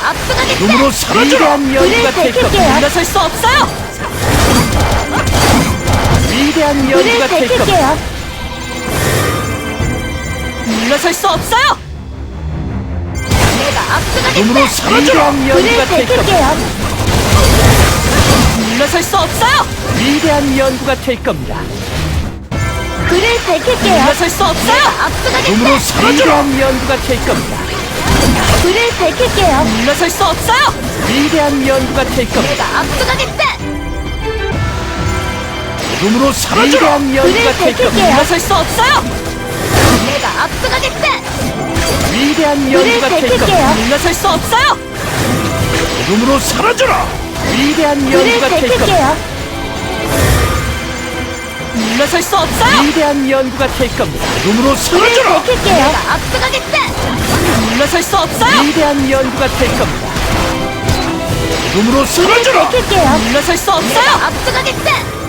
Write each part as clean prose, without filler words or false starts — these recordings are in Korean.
앞서가겠다. 눈으로 사라져라! 위대한 연구가 될 겁니다. 물러설 수 없어요. 위대한 불을 연구가 될 겁니다. 밝힐게요. 물러설 수 없어요. 내가 앞서가겠다. 눈으로 사라져라! 위대한 불을 연구가 될 겁니다. 밝힐게요. 물러설 수 없어요. 위대한 연구가 될 겁니다. 불을 밝힐게요. 물러설 수 없어요. 눈으로 앞서가겠다. 사라져라! 위대한 연구가 될 겁니다. 불을 밝힐게요. 물러설 수 없어요. 위대한 연구가 될 겁니다. 내가 앞서가겠다. 눈으로 사라져라! 위대한 연구가 불을 될 겁니다. 밝힐게요. 물러설 수 없어요. 내가 앞서가겠다. 위대한 불을 연구가 될 겁니다. 밝힐게요. 물러설 수 없어요. 눈으로 사라져라! 위대한 불을 연구가 될 겁니다. 밝힐게요. 물러설 수 없어요. 위대한 연구가 될 겁니다. 눈으로 불을 사라져라! 밝힐게요. 내가 앞서가겠다. 물러설 수 없어요. 위대한 연구가 될 겁니다. 눈으로 사라져라! 밝힐게요. 물러설 수 없어요. 앞서가겠다.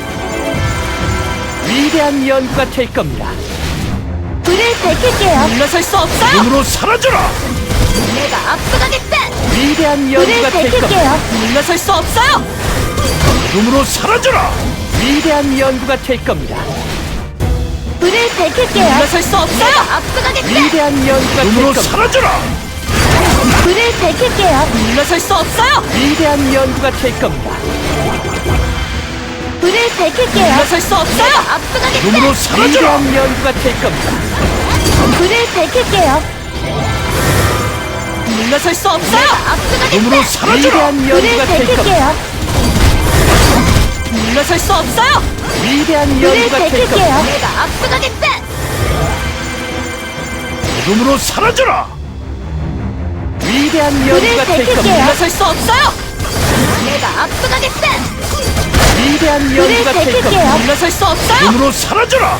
위대한 연구가 될 겁니다. 불을 밝힐게요. 물러설 수 없어요. 눈으로 사라져라! 내가 앞서가겠다. 위대한 불을 연구가 될 겁니다. 밝힐게요. 물러설 수 없어요. 눈으로 사라져라! 위대한 연구가 될 겁니다. 불을 밝힐게요. 물러설 수 없어요. 앞서가겠다. 위대한 연구가 될 눈으로 겁니다. 사라져라! 불을 밝힐게요. 물러설 수 없어요. 위대한 연구가 될 겁니다. 불을 밝힐게요. 물러설 수 없어요. 앞서가겠다. 눈으로 사라져라! 위대한 연구가 될 겁니다. 불을 밝힐게요. 물러설 수 없어요. 앞서가겠다. 눈으로 사라져라! 위대한 불을 연구가 될 겁니다. 밝힐게요. 물러설 수 없어요. 위대한 불을 연구가 될 겁니다. 밝힐게요. 내가 앞서가겠다. 눈으로 사라져라! 위대한 불을 연구가 될 겁니다. 밝힐게요. 물러설 수 없어요. 내가 앞서가겠다. 위대한 불을 연구가 될 겁니다. 밝힐게요. 물러설 수 없어요. 눈으로 사라져라!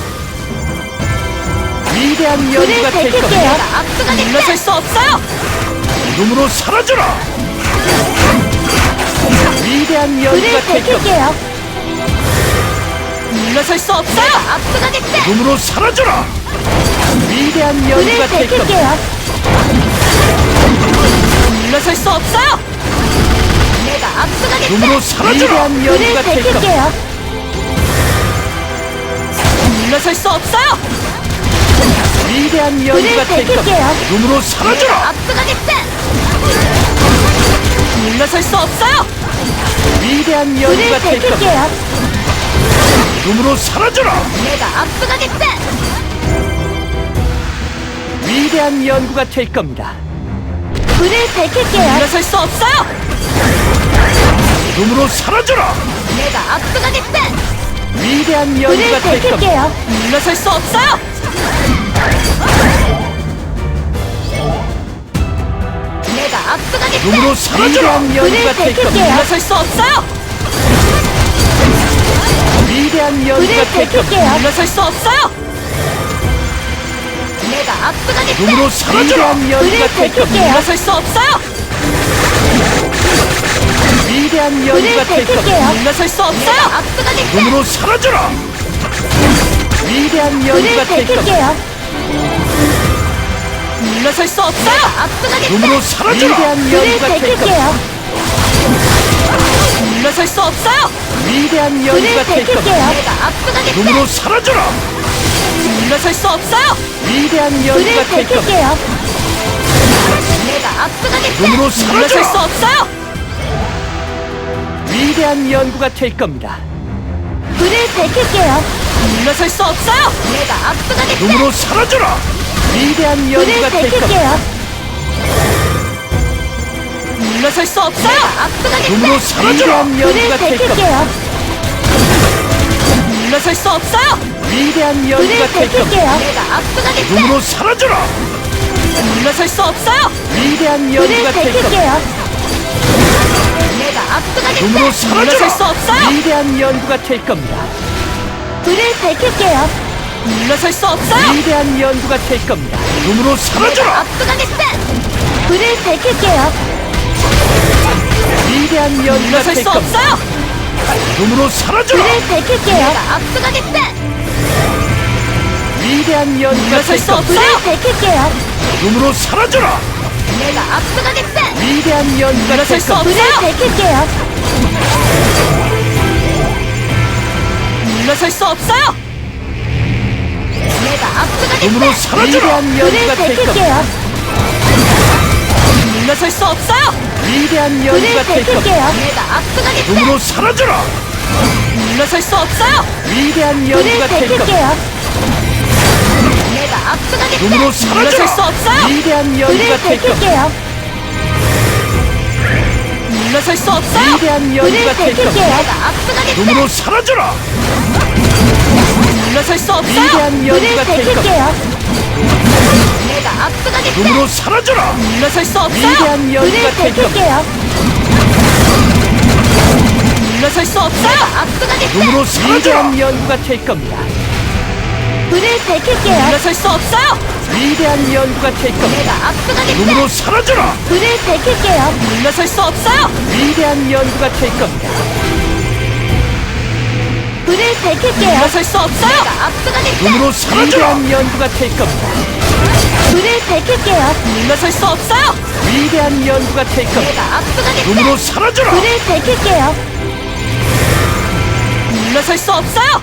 위대한 불을 연구가 될 겁니다. 밝힐게요. 내가 앞서가겠다. 물러설 수 없어요. 눈으로 사라져라! 위대한 불을 연구가 될 겁니다. 밝힐게요. 물러설 수 없어요. 앞서가겠다. 눈으로 사라져라! 위대한 불을 연구가 될 겁니다. 밝힐게요. 물러설 수 없어요. 내가 앞서가겠다. 눈으로 사라져라! 위대한 불을 연구가 될 겁니다. 밝힐게요. 물러설 수 없어요. 위대한 불을 연구가 될 겁니다. 밝힐게요. 눈으로 사라져라! 앞서가겠다. 물러설 수 없어요. 위대한 불을 연구가 될 겁니다. 밝힐게요. 눈으로 사라져라! 내가 앞서가겠다. 위대한 연구가 될 겁니다. 불을 밝힐게요. 물러설 수 없어요. 눈으로 사라져라! 내가 앞서가겠다. 위대한 불을 연구가 될 겁니다. 밝힐게요. 물러설 수 없어요. 내가 앞서가겠다. 눈으로 사라져라! 위대한 불을 연구가 될 겁니다. 밝힐게요. 물러설 수 없어요. 위대한 불을 연구가 될 겁니다. 밝힐게요. 물러설 수 없어요. 내가 앞서가겠다. 눈으로 사라져라! 위대한 불을 연구가 될 겁니다. 밝힐게요. 물러설 수 없어요. 위대한 불을 연구가 될 겁니다. 밝힐게요. 물러설 수 없어요. 앞서가겠다. 눈으로 사라져라! 위대한 불을 연구가 될 겁니다. 밝힐게요. 물러설 수 없어요. 앞서가겠다. 눈으로 사라져라! 위대한 불을 연구가 될 겁니다. 밝힐게요. 물러설 수 없어요. 위대한 불을 연구가 될 겁니다. 밝힐게요. 내가 앞서가겠다. 눈으로 사라져라! 물러설 수 없어요. 위대한 불을 연구가 될 겁니다. 밝힐게요. 내가 앞서가겠다. 눈으로 물러설 수 사라져라! 없어요. 위대한 연구가 될 겁니다. 불을 밝힐게요. 물러설 수 없어요. 내가 앞서가겠다. 눈으로 사라져라! 위대한 불을 연구가 될 겁니다. 밝힐게요. 물러설 수 없어요. 앞서가겠다. 눈으로 사라져라! 위대한 불을 연구가 될 겁니다. 밝힐게요. 물러설 수 없어요. 위대한 불을 연구가 될 겁니다. 밝힐게요. 내가 앞서가겠다. 눈으로 사라져라! 물러설 수 없어요. 위대한 불을 연구가 될 겁니다. 밝힐게요. 내가 앞서가겠다. 눈으로 물러설 수 사라져라! 없어요. 위대한 연구가 될 겁니다. 불을 밝힐게요. 물러설 수 없어요. 위대한 연구가 될 겁니다. 눈으로 사라져라! 앞서가겠다. 불을 밝힐게요. 위대한 연구가 물러설 될 수 겁니다. 없어요. 눈으로 사라져라! 불을 밝힐게요. 내가 앞서가겠다. 위대한 연구가 물러설 될 수 겁니다. 없어요. 불을 밝힐게요. 눈으로 사라져라! 내가 앞서가겠다. 위대한 연구가 될 물러설 수 겁니다. 없어요. 불을 밝힐게요. 물러설 수 없어요. 내가 눈으로 앞서가겠다. 사라져라. 위대한 불을 연구가 될 겁니다. 밝힐게요. 물러설 수 없어요. 위대한 불을 연구가 될 겁니다. 밝힐게요. 내가 앞서가겠다. 눈으로 사라져라. 물러설 수 없어요. 위대한 불을 연구가 될 겁니다. 밝힐게요. 내가 앞서가겠다. 눈으로 물러설 수 사라져라. 없어요. 위대한 불을 연구가 될 겁니다. 밝힐게요. 물러설 수 없어요. 위대한 불을 연구가 될 밝힐게요. 겁니다. 내가 앞서가겠다. 눈으로 사라져라. 물러설 수 없어요. 위대한 불을 연구가 될 밝힐게요. 내가 앞서가겠다. 눈으로 사라져라. 물러설 수 없어요. 위대한 불을 연구가 될 겁니다. 밝힐게요. 물러설 수 없어요. 앞서가겠다. 눈으로 사라져라. 위대한 연구가 될 겁니다. 불을 밝힐게요. 물러설 수 없어요. 위대한 연구가 될 겁니다. 내가 앞서가겠다. 눈으로 사라져라. 불을 밝힐게요. 물러설 수 없어요. 위대한 연구가 될 겁니다. 불을 밝힐게요. 물러설 수 없어요. 내가 앞서가겠다. 눈으로 사라져라. 위대한 연구가 될 겁니다. 불을 밝힐게요. 물러설 수 없어요. 위대한 연구가 될 겁니다. 내가 앞서가겠다. 눈으로 사라져라. 불을 밝힐게요. 물러설 수 없어요.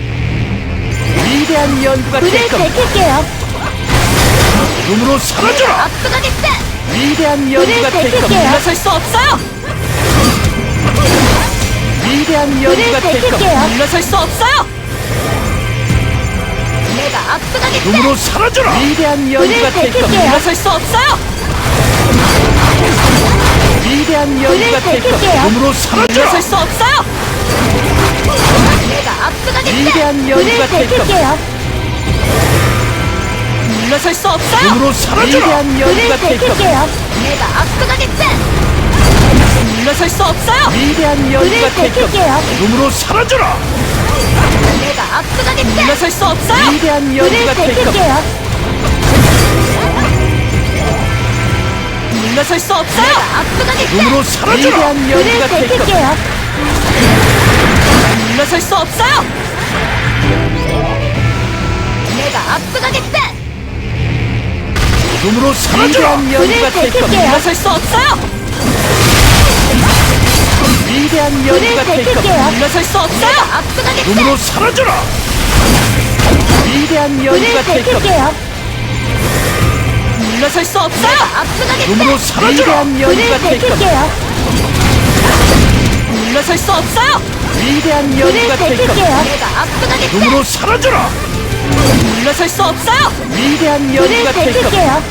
위대한 연구가 불을 될 겁니다. 밝힐게요. 눈으로 사라져라. 앞서가겠다. 위대한 불을 연구가 될 겁니다. 밝힐게요. 물러설 수 없어요. 위대한 불을 연구가 될 겁니다. 밝힐게요. 물러설 수 없어요. 내가 앞서가겠다. 눈으로 사라져라. 위대한 불을 연구가 될 겁니다. 밝힐게요. 물러설 수 없어요. 위대한 불을 연구가 될 겁니다. 밝힐게요. 눈으로 사라져라. 물러설 수 없어요. 내가 앞서가겠다. 위대한 불을 연구가 될 겁니다. 밝힐게요. 물러설 수 없어요. 눈으로 사라져라. 위대한 불을 연구가 될 겁니다. 밝힐게요. 내가 앞서가겠다. 물러설 수 없어요. 위대한 불을 연구가 될 겁니다. 밝힐게요. 눈으로 사라져라. 내가 앞서가겠다. 물러설 수 없어요. 위대한 불을 연구가 될 겁니다. 밝힐게요. 물러설 수 없어요. 내가 앞서가겠다. 눈으로 사라져라. 위대한 불을 연구가 될 겁니다. 밝힐게요. 물러설 수 없어요. 내가 앞서가겠다. 눈으로 사라져라. 위대한 불을 연구가 될 밝힐게요. 겁니다. 물러설 수 없어요. 위대한 불을 연구가 될 겁니다. 밝힐게요. 물러설 수 없어요. 앞서가겠다. 눈으로 사라져라. 위대한 불을 연구가 될 겁니다. 밝힐게요. 물러설 수 없어요. 앞서가겠다. 눈으로 사라져라. 위대한 불을 연구가 될 겁니다. 밝힐게요. 물러설 수 없어요. 위대한 불을 연구가 될 겁니다. 밝힐게요. 내가 앞서가겠다. 눈으로 사라져라. 물러설 수 없어요. 위대한 불을 연구가 될 겁니다. 밝힐게요.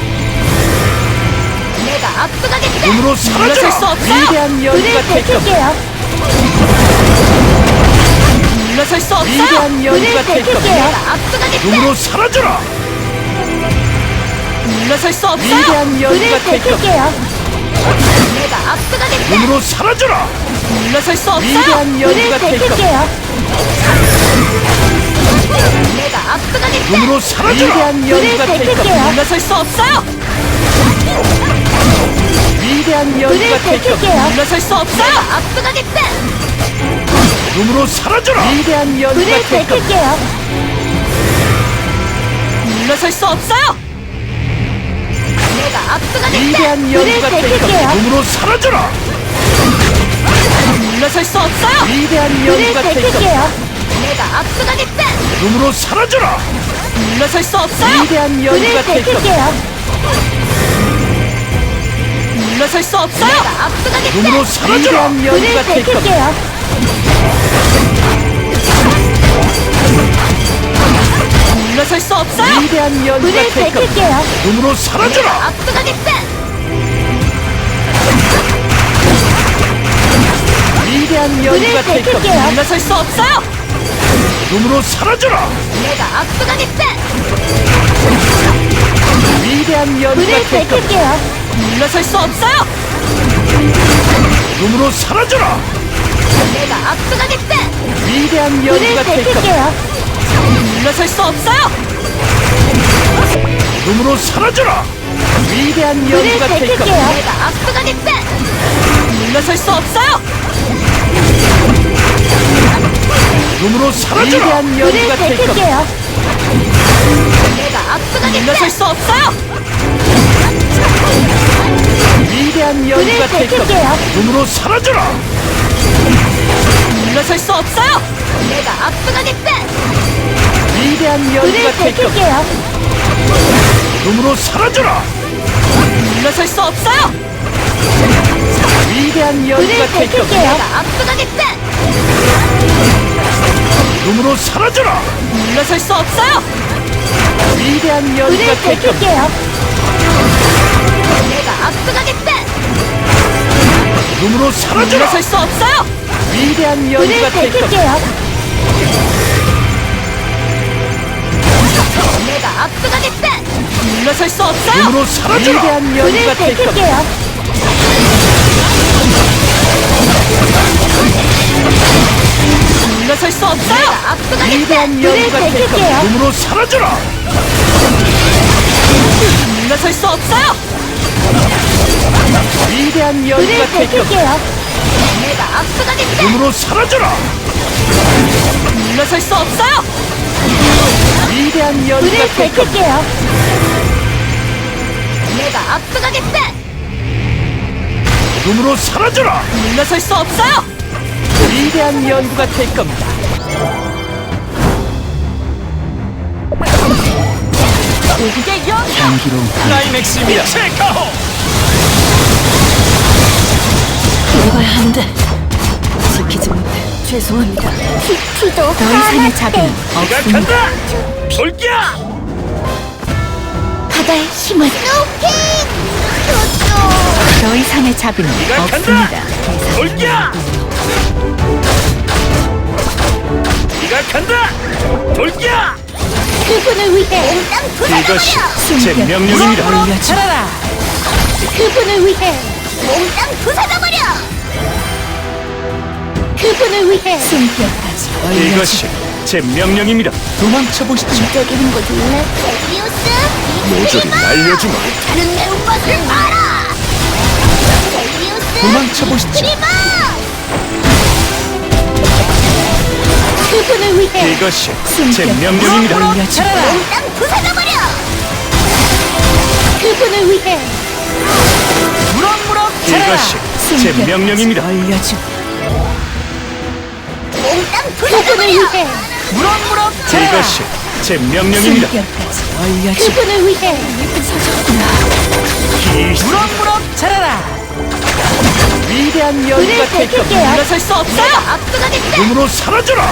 내가 앞서가겠다. 눈으로 물러설 수 사라져라. 없어요. 위대한 불을 연구가 될 겁니다. 밝힐게요. 물러설 수 없어요. 위대한 연구가 불을 될 겁니다. 밝힐게요. 내가 앞서가겠다. 눈으로 사라져라. 물러설 수 없어요. 위대한 불을 연구가 될 겁니다. 밝힐게요. 내가 앞서가겠다. 눈으로 사라져라. 물러설 수 없어요. 위대한 불을 연구가 될 겁니다. 밝힐게요. 내가 앞서가겠다. 눈으로 사라져라. 위대한 불을 연구가 될 겁니다. 밝힐게요. 물러설 수 없어요. 위대한 불을 연구가 될 겁니다. 밝힐게요. 물러설 수 없어요. 앞서가겠다. 눈으로 사라져라. 위대한 불을 연구가 될 겁니다. 밝힐게요. 물러설 수 없어요. 내가 앞서가겠다. 위대한 불을 연구가 될 밝힐게요. 눈으로 사라져라. 물러설 수 없어요. 위대한 불을 연구가 될 겁니다. 밝힐게요. 내가 앞서가겠다. 눈으로 사라져라. 물러설 수 없어요. 위대한 불을 연구가 될 겁니다. 밝힐게요. 물러설 수 없어요. 내가 앞서가겠다. 눈으로 사라져라. 위대한 불을 연구가 될 겁니다. 밝힐게요. 물러설 수 없어요. 위대한 연구가 불을 될 겁니다. 밝힐게요. 눈으로 사라져라. 앞서가겠다. 위대한 불을 연구가 될 겁니다. 밝힐게요. 물러설 수 없어요. 눈으로 사라져라. 내가 앞서가겠다. 위대한 불을 연구가 될 겁니다. 밝힐게요. 물러설 수 없어요. 눈으로 사라져라. 내가 앞서가겠다. 위대한 불을 연구가 될 겁니다. 밝힐게요. 물러설 수 없어요. 눈으로 사라져라. 위대한 불을 연구가 될 겁니다. 밝힐게요. 내가 앞서가겠다. 물러설 수 없어요. 눈으로 사라져라. 위대한 불을 연구가 될 겁니다. 밝힐게요. 내가 앞서가겠다. 물러설 수 없어요. 위대한 불을 연구가 될 겁니다. 밝힐게요. 눈으로 사라져라. 물러설 수 없어요. 내가 압수하겠다. 위대한 불을 연구가 될 겁니다. 밝힐게요. 눈으로 사라져라. 물러설 수 없어요. 위대한 불을 연구가 될 밝힐게요. 겁니다. 내가 압수하겠다. 눈으로 사라져라. 물러설 수 없어요. 위대한 불을 연구가 될 겁니다. 밝힐게요. 내가 압수하겠다. 눈으로 사라져라. 물러설 수 없어요. 위대한 불을 연구가 될 겁니다. 밝힐게요. 내가 압수하겠다. 물러설 수 없어요. 눈으로 사라져라. 위대한 불을 연구가 될 겁니다. 밝힐게요. 물러설 수 없어요. 위대한 불을 연구가 될 겁니다. 밝힐게요. 눈으로 사라져라. 물러설 수 없어요. 위대한 불을 연구가 될 겁니다. 밝힐게요. 내가 압수하겠다. 눈으로 사라져라. 물러설 수 없어요. 위대한 불을 연구가 될 겁니다. 밝힐게요. 내가 압수하겠다. 눈으로 사라져라. 물러설 수 없어요. 위대한 연구가 될 겁니다. 고국의 영광. 향기로운 클라이맥스입니다. 체카호. 읽어야 하는데 지키지 못해 죄송합니다. 피도 더 이상의 자비는 네가 없습니다. 간다. 돌기야. 바다의 힘을 더 이상의 자비는 네가 간다. 없습니다. 돌기야. 네가 간다. 돌기야. 그분을 위해 이것이 제 숨겨 명령입니다. 올려줘. 그분을 위해 몽땅 부숴버려. 그분을 위해 숨겨까지 이것이 제 명령입니다. 도망쳐 보시죠. 반짝이는 거 몰래? 셀리우스 모조리 날려주마. 다른 매운맛을 알아. 셀리우스 도망쳐 보시죠. 그리마. 그분을 위해 이것이 제 명령입니다. 올려줘. 몽땅 부숴버려. 그분을 위해 이것이 제 명령입니다. 올려줘. 몽땅 부숴버려. 위해 이것이 제 명령입니다. 올려줘. 그분을 위해 위대한 불을 연구가 될 겁니다. 밝힐게요. 물러설 수 없어요. 압수하겠다. 눈으로 사라져라.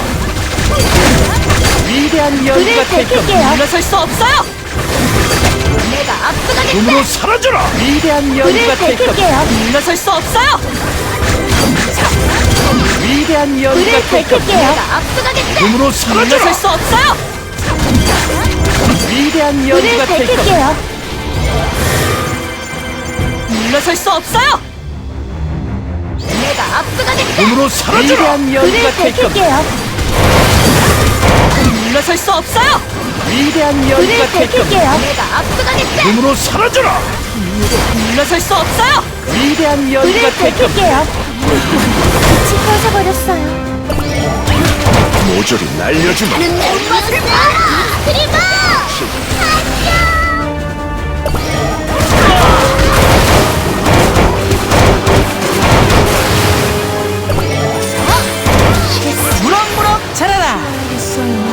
위대한 불을 연구가 될 겁니다. 밝힐게요. 물러설 수 없어요. 내가 압수하겠다. 눈으로 사라져라. 위대한 불을 연구가 될 겁니다. 밝힐게요. 물러설 수 없어요. 위대한 불을 연구가 될 겁니다. 밝힐게요. 내가 압수하겠다. 눈으로 물러설 사라져라. 수 없어요. 위대한 불을 연구가 될 겁니다. 밝힐게요. 물러설 수 없어요. 내가 압수하겠다. 눈으로 사라져라. 위대한 불을 연구가 될 겁니다. 밝힐게요. 물러설 수 없어요. 위대한 불을 연구가 될 겁니다. 밝힐게요. 내가 압수하겠다. 눈으로 사라져라. 물러설 수 없어요. 위대한 불을 연구가 될 겁니다. 밝힐게요. 빛이 꺼져버렸어요. 모조리 날려주마. 매운맛을 알아. 그리마. 무럭무럭 자라라.